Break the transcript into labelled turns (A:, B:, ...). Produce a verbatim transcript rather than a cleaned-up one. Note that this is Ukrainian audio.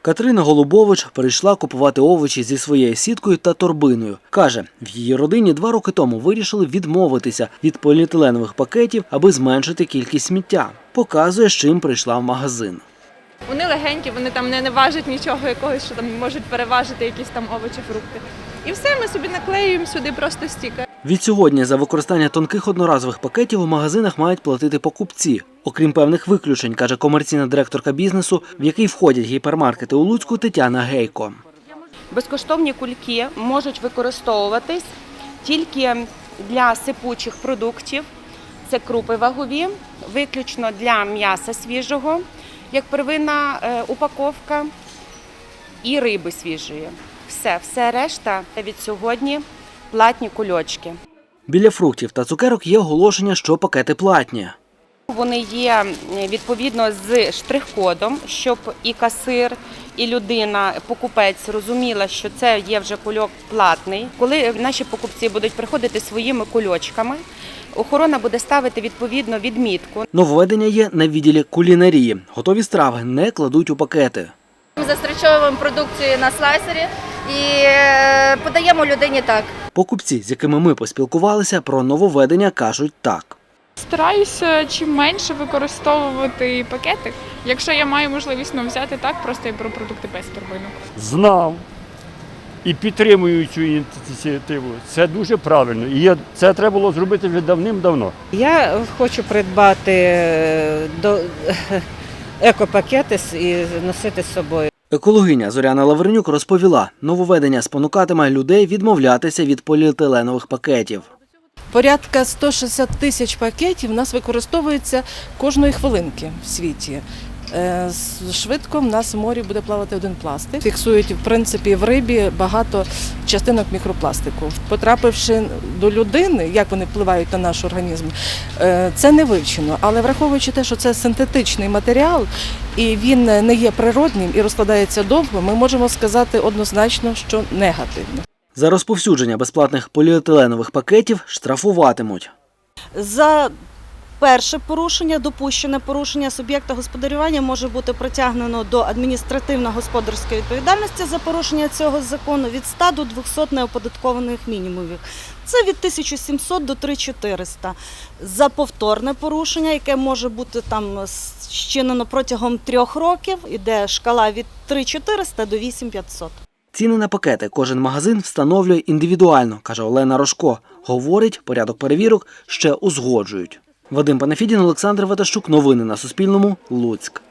A: Катерина Голубович прийшла купувати овочі зі своєю сіткою та торбиною. Каже, в її родині два роки тому вирішили відмовитися від поліетиленових пакетів, аби зменшити кількість сміття. Показує, з чим прийшла в магазин.
B: Вони легенькі, вони там не, не важать нічого якогось, що там можуть переважити якісь там овочі, фрукти. І все, ми собі наклеюємо сюди просто стікер.
A: Відсьогодні за використання тонких одноразових пакетів у магазинах мають платити покупці. Окрім певних виключень, каже комерційна директорка бізнесу, в який входять гіпермаркети у Луцьку, Тетяна Гейко.
C: Безкоштовні кульки можуть використовуватись тільки для сипучих продуктів. Це крупи вагові, виключно для м'яса свіжого, як первинна упаковка, і риби свіжої. Все, все решта від сьогодні платні кульочки.
A: Біля фруктів та цукерок є оголошення, що пакети платні.
C: Вони є відповідно з штрих-кодом, щоб і касир, і людина, покупець розуміла, що це є вже кульок платний. Коли наші покупці будуть приходити своїми кульочками, охорона буде ставити відповідно відмітку.
A: Нововведення є на відділі кулінарії. Готові страви не кладуть у пакети.
D: Ми застрічовуємо продукцію на слайсері і подаємо людині так.
A: Покупці, з якими ми поспілкувалися, про нововведення кажуть так.
E: Стараюся чим менше використовувати пакети. Якщо я маю можливість ну, взяти так, просто я беру продукти без торбинок.
F: Знав і підтримую цю ініціативу. Це дуже правильно. І це треба було зробити вже давним-давно.
G: Я хочу придбати до екопакети і носити з собою.
A: Екологиня Зоряна Лавренюк розповіла, нововведення спонукатиме людей відмовлятися від поліетиленових пакетів.
H: Порядка сто шістдесят тисяч пакетів у нас використовується кожної хвилинки в світі. Швидко в нас в морі буде плавати один пластик. Фіксують, в принципі, в рибі багато частинок мікропластику. Потрапивши до людини, як вони впливають на наш організм, це не вивчено. Але враховуючи те, що це синтетичний матеріал, і він не є природним і розкладається довго, ми можемо сказати однозначно, що негативно.
A: За розповсюдження безплатних поліетиленових пакетів штрафуватимуть.
I: За перше порушення, допущене порушення суб'єкта господарювання може бути притягнено до адміністративно-господарської відповідальності за порушення цього закону від ста до двохсот неоподаткованих мінімумів. Це від тисячі сімсот до три тисячі чотириста. За повторне порушення, яке може бути там зчинено протягом трьох років, іде шкала від три тисячі чотириста до вісім тисяч п'ятсот.
A: Ціни на пакети кожен магазин встановлює індивідуально, каже Олена Рожко. Говорить, порядок перевірок ще узгоджують. Вадим Панафідін, Олександр Ветащук. Новини на Суспільному. Луцьк.